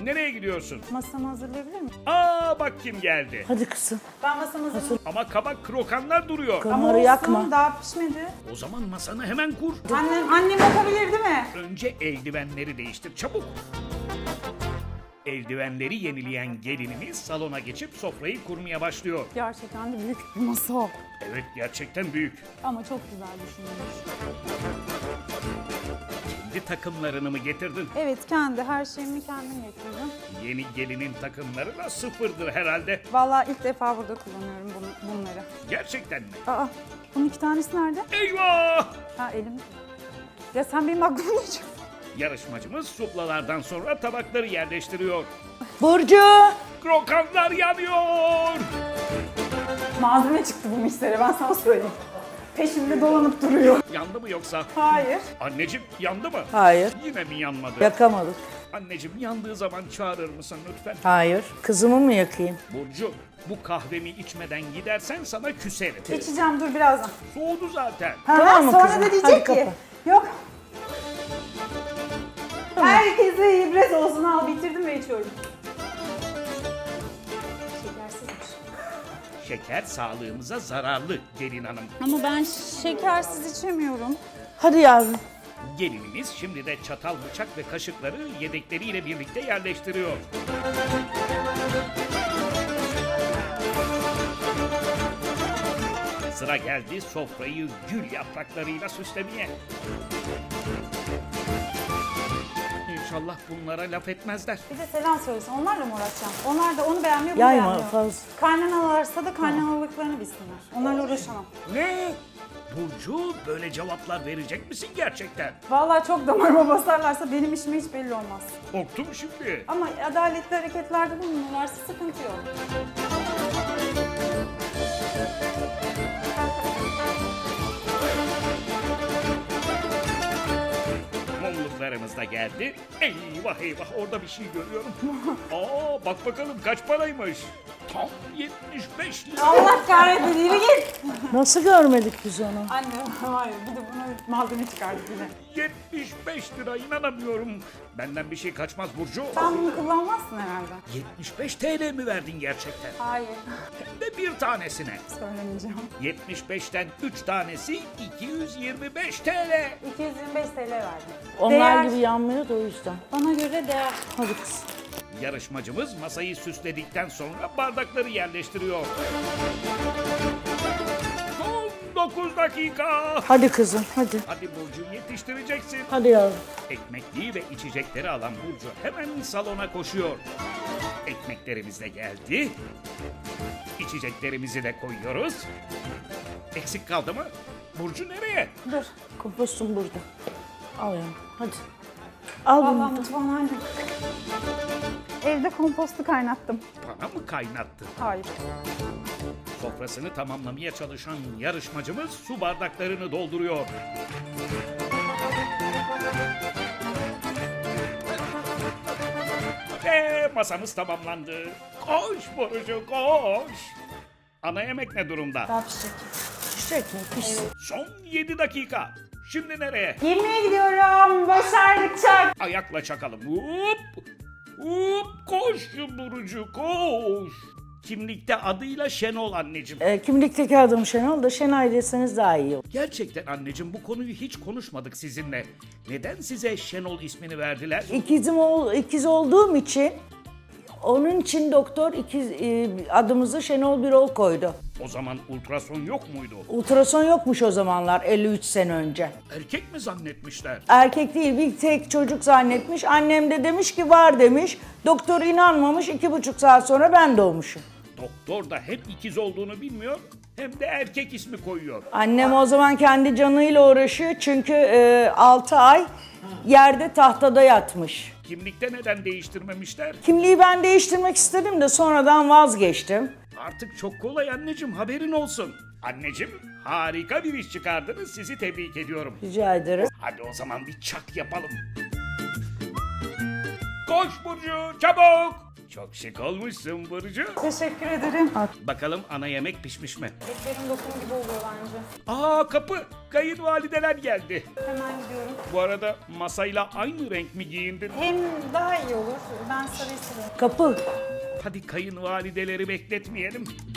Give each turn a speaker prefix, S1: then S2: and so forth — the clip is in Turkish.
S1: nereye gidiyorsun?
S2: Masamı hazırlayabilir miyim?
S1: Aa bak kim geldi.
S3: Hadi kızım.
S2: Ben masamı hazırlayayım.
S1: Ama kabak krokanlar duruyor.
S3: Onları yakma.
S2: Daha pişmedi.
S1: O zaman masanı hemen kur.
S2: Annem yapabilir değil mi?
S1: Önce eldivenleri değiştir çabuk. Eldivenleri yenileyen gelinimiz salona geçip sofrayı kurmaya başlıyor.
S2: Gerçekten de büyük bir masa o.
S1: Evet gerçekten büyük.
S2: Ama çok güzel düşünülmüş.
S1: Kendi takımlarını mı getirdin?
S2: Evet, her şeyimi kendim getirdim.
S1: Yeni gelinin takımları da sıfırdır herhalde.
S2: Vallahi ilk defa burada kullanıyorum bunları.
S1: Gerçekten mi?
S2: Aa, bunun 2 tanesi nerede?
S1: Eyvah!
S2: Ha, elim. Ya sen benim aklımı ne çıktın?
S1: Yarışmacımız suplalardan sonra tabakları yerleştiriyor.
S3: Burcu.
S1: Krokanlar yanıyor!
S2: Malzeme çıktı bu miksere, ben sana söyleyeyim. Peşimde dolanıp duruyor.
S1: Yandı mı yoksa?
S2: Hayır.
S1: Anneciğim yandı mı?
S3: Hayır.
S1: Yine mi yanmadı?
S3: Yakamadık.
S1: Anneciğim yandığı zaman çağırır mısın lütfen?
S3: Hayır. Kızımı mı yakayım?
S1: Burcu, bu kahvemi içmeden gidersen sana küserim.
S2: İçeceğim, dur birazdan.
S1: Soğudu zaten.
S3: Tamam mı
S2: Sonra
S3: kızım?
S2: da
S3: Hadi
S2: diyecek ki,
S3: kapa.
S2: yok. Herkese ibret olsun, al bitirdim ve içiyorum. Şekersizmiş.
S1: Şeker sağlığımıza zararlı gelin hanım.
S2: Ama ben şekersiz içemiyorum.
S3: Hadi yavrum.
S1: Gelinimiz şimdi de çatal, bıçak ve kaşıkları yedekleriyle birlikte yerleştiriyor. Sıra geldi sofrayı gül yapraklarıyla süslemeye. İnşallah bunlara laf etmezler.
S2: Bir de selam söylesin, onlarla mı uğraşacağım? Onlar da onu beğenmiyor, bunu
S3: Yayma
S2: beğenmiyor.
S3: fazla.
S2: Kaynanalarsa da kaynanalıklarını bilsinler. Onlarla uğraşamam.
S1: Ne? Burcu böyle cevaplar verecek misin gerçekten?
S2: Vallahi çok damarıma basarlarsa benim işime hiç belli olmaz.
S1: Korktum şimdi.
S2: Ama adaletli hareketlerde bulunurlarsa sıkıntı yok.
S1: Mumluklarımız da geldi. Eyvah eyvah orada bir şey görüyorum. Aa bak bakalım kaç paraymış. Tam 75 lira.
S2: Allah kahretsin, yürü git!
S3: Nasıl görmedik biz onu?
S2: Anne, hayır, bir de buna malzeme çıkardık yine.
S1: 75 lira inanamıyorum. Benden bir şey kaçmaz Burcu.
S2: Sen bunu kullanmazsın herhalde.
S1: 75 TL mi verdin gerçekten?
S2: Hayır,
S1: Hem de bir tanesine.
S2: söylemeyeceğim.
S1: 75'ten 3 tanesi 225 TL.
S2: 225 TL verdim.
S3: Onlar
S2: Değer.
S3: gibi yanmıyor da o yüzden.
S2: Bana göre değer.
S3: Hadi kız.
S1: Yarışmacımız masayı süsledikten sonra bardakları yerleştiriyor. Son 9 dakika.
S3: Hadi kızım hadi.
S1: Hadi Burcu yetiştireceksin.
S3: Hadi yavrum.
S1: Ekmekliği ve içecekleri alan Burcu hemen salona koşuyor. Ekmeklerimiz de geldi. İçeceklerimizi de koyuyoruz. Eksik kaldı mı? Burcu nereye?
S2: Dur.
S3: Kompostum burada. Al yavrum hadi. Al
S2: Vallahi
S3: bunu.
S2: mutfağın anne. Evde kompostu kaynattım.
S1: Bana mı kaynattı?
S2: Hayır.
S1: Sofrasını tamamlamaya çalışan yarışmacımız su bardaklarını dolduruyor. Ve masamız tamamlandı. Koş Burcu koş. Ana yemek ne durumda?
S2: Daha pişecek.
S3: Pişecek mi? Pişsin.
S1: Son 7 dakika. Şimdi nereye?
S2: Yemeğe gidiyorum. Başardık çak.
S1: Ayakla çakalım. Hop! Hop! Koş Burcu koş. Kimlikte adıyla Şenol anneciğim.
S3: Kimlikteki adım Şenol da Şenay deseniz daha iyi olur.
S1: Gerçekten anneciğim bu konuyu hiç konuşmadık sizinle. Neden size Şenol ismini verdiler?
S3: İkiz olduğum için onun için doktor adımızı Şenol Birol koydu.
S1: O zaman ultrason yok muydu?
S3: Ultrason yokmuş o zamanlar 53 sene önce.
S1: Erkek mi zannetmişler?
S3: Erkek değil bir tek çocuk zannetmiş. Annem de demiş ki var demiş. Doktor inanmamış 2,5 saat sonra ben doğmuşum.
S1: Doktor da hem ikiz olduğunu bilmiyor hem de erkek ismi koyuyor.
S3: Annem o zaman kendi canıyla uğraşıyor çünkü 6 ay yerde tahtada yatmış.
S1: Kimlikte neden değiştirmemişler?
S3: Kimliği ben değiştirmek istedim de sonradan vazgeçtim.
S1: Artık çok kolay anneciğim haberin olsun. Anneciğim harika bir iş çıkardınız sizi tebrik ediyorum.
S3: Rica ederim.
S1: Hadi o zaman bir çak yapalım. Koş Burcu çabuk. Çok şık olmuşsun Burcu.
S2: Teşekkür ederim.
S1: Bakalım ana yemek pişmiş mi?
S2: Etlerim lokum gibi oluyor bence.
S1: Aa kapı. Kayınvalideler geldi.
S2: Hemen gidiyorum.
S1: Bu arada masayla aynı renk mi giyindin?
S2: Hem daha iyi olur. Ben sarıyı seviyorum.
S3: Kapı.
S1: Hadi kayınvalideleri bekletmeyelim.